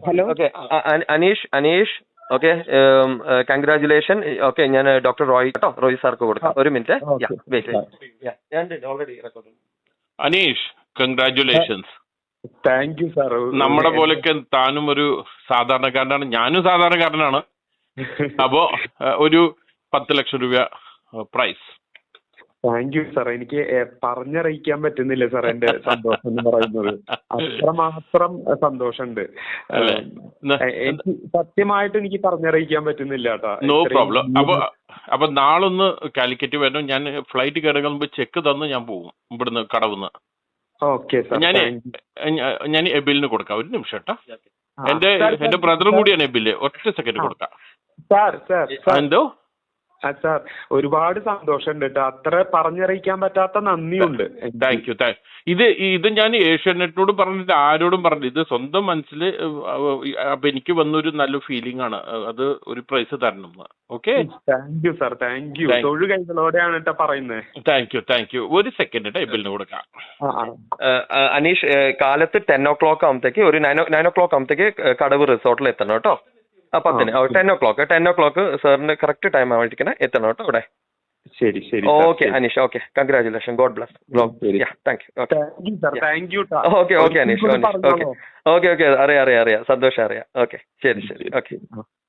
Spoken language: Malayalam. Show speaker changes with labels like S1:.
S1: Hello.
S2: Okay Aneesh okay, congratulation. Okay, ഞാൻ ഡോക്ടർ റോയ് കേട്ടോ, റോയ് സാർക്ക് കൊടുക്കാം. ഒരു minute. Already record.
S3: Aneesh, congratulations.
S1: Thank you sir.
S3: നമ്മുടെ പോലെയൊക്കെ താനും ഒരു സാധാരണക്കാരനാണ്, ഞാനും സാധാരണക്കാരനാണ്. അപ്പോ ഒരു 10 ലക്ഷം രൂപ പ്രൈസ്.
S1: Thank you sir. എനിക്ക് പറഞ്ഞറിയിക്കാൻ പറ്റുന്നില്ല സാർ എന്റെ സന്തോഷം എന്ന് പറയുന്നത്. അത്രമാത്രം സന്തോഷമുണ്ട്. എനിക്ക് സത്യമായിട്ട് എനിക്ക് പറഞ്ഞറിയിക്കാൻ പറ്റുന്നില്ല കേട്ടോ.
S3: No problem. അപ്പൊ നാളൊന്ന് കാലിക്കറ്റ് വരണം. ഞാൻ ഫ്ലൈറ്റ് കയറുമ്പോൾ ചെക്ക് തന്ന് ഞാൻ പോകും ഇവിടുന്ന് കടവുന്ന്.
S1: Okay sir.
S3: ഞാൻ എബിലിന് കൊടുക്കാം. ഒരു നിമിഷം കേട്ടോ. എന്റെ ബ്രദറും കൂടിയാണ് എബില്. ഒറ്റ സെക്കൻഡ് കൊടുക്കാം. എന്തോ
S1: സാർ, ഒരുപാട് സന്തോഷമുണ്ട് കേട്ടോ. അത്ര പറഞ്ഞറിയിക്കാൻ പറ്റാത്ത നന്ദിയുണ്ട്.
S3: Thank you. ഇത് ഞാൻ ഏഷ്യാനെറ്റിനോട് പറഞ്ഞിട്ട് ആരോടും പറഞ്ഞില്ല. ഇത് സ്വന്തം മനസ്സിൽ. അപ്പൊ എനിക്ക് വന്നൊരു നല്ല ഫീലിംഗ് ആണ്. അത് ഒരു പ്രൈസ് തരണം. Okay,
S1: thank you sir. Thank you. തൊഴു കൈകളോടെയാണ് കേട്ടോ പറയുന്നത്.
S3: Thank you. ഒരു സെക്കൻഡ് എബിലിന് കൊടുക്കാം.
S2: അനീഷ്, കാലത്ത് 10 o'clock ആകുമ്പത്തേക്ക്, ഒരു 9 o'clock ആകുമ്പത്തേക്ക് കടവ് റിസോർട്ടിൽ എത്തണം കേട്ടോ. 10 10 o'clock സാറിന് കറക്റ്റ് ടൈം ആവാണ്ടിരിക്കണേ, എത്തണം കേട്ടോ അവിടെ.
S1: ശരി ശരി.
S2: Okay Aneesh. Okay, congratulation. God bless. Thank you. Okay Aneesh. Okay അറിയാം. സന്തോഷം അറിയാം. ഓക്കെ, ശരി. ഓക്കെ.